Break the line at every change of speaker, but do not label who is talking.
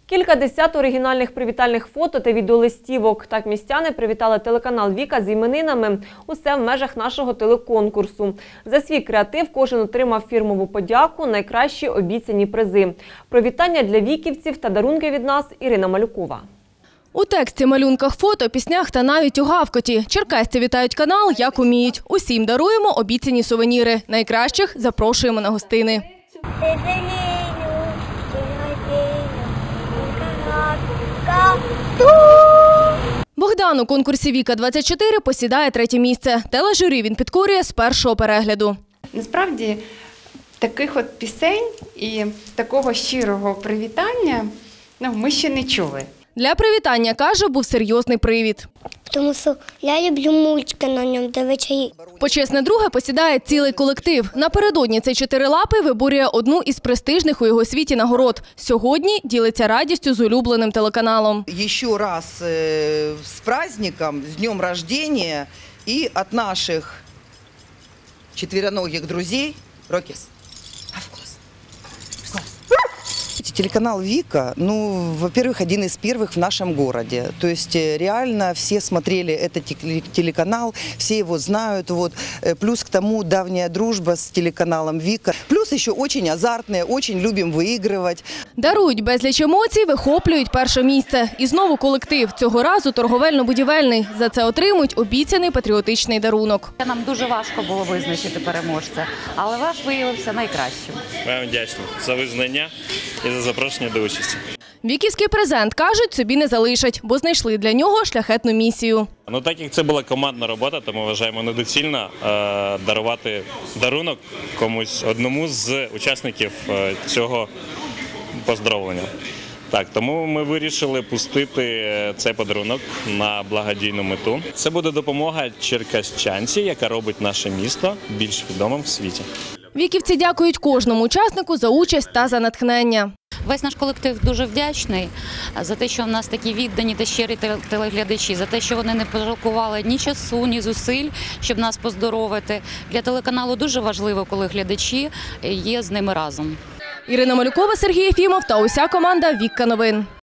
Кількадесят оригінальних привітальних фото та відеолистівок. Так містяни привітали телеканал «Віка» з іменинами. Усе в межах нашого телеконкурсу. За свій креатив кожен отримав фірмову подяку, найкращі обіцяні призи. Привітання для віківців та дарунки від нас – Ірина Малюкова.
У тексті, малюнках, фото, піснях та навіть у гавкоті. Черкасці вітають канал, як уміють. Усім даруємо обіцяні сувеніри. Найкращих запрошуємо на гостини. Богдан у конкурсі «Віка-24» посідає 3-є місце. Тележурі він підкорює з першого перегляду.
Насправді, таких от пісень і такого щирого привітання ми ще не чули.
Для привітання, каже, був серйозний привід.
Тому що я люблю мультики на ньому дивитися.
Почесне друге посідає цілий колектив. Напередодні цей чотирилапий виборює одну із престижних у його світі нагород. Сьогодні ділиться радістю з улюбленим телеканалом.
Еще раз с праздником, с днем рождения и от наших четвероногих друзей Рокис. Телеканал «Вика», во-первых, один из первых в нашем городе. То есть реально все смотрели этот телеканал, все его знают. Плюс к тому давняя дружба с телеканалом «Вика». Плюс еще очень азартные, очень любим выигрывать.
Дарують безліч емоцій, вихоплюють перше місце. І знову колектив. Цього разу торговельно-будівельний. За це отримують обіцяний патріотичний дарунок.
Нам дуже важко було визначити переможця, але ваш виявився найкращим.
Вам вдячні за визнання і за запрошення до участі.
Віківський презент, кажуть, собі не залишать, бо знайшли для нього шляхетну місію.
Так як це була командна робота, то ми вважаємо недоцільно дарувати дарунок комусь одному з учасників цього поздоровлення. Тому ми вирішили пустити цей подарунок на благодійну мету. Це буде допомога черкащанці, яка робить наше місто більш відомим в світі.
Віківці дякують кожному учаснику за участь та за натхнення.
Весь наш колектив дуже вдячний за те, що в нас такі віддані та щирі телеглядачі, за те, що вони не пожалкували ні часу, ні зусиль, щоб нас поздоровити. Для телеканалу дуже важливо, коли глядачі є з ними разом.
Ірина Малюкова, Сергій Єфімов та уся команда «Віка новин».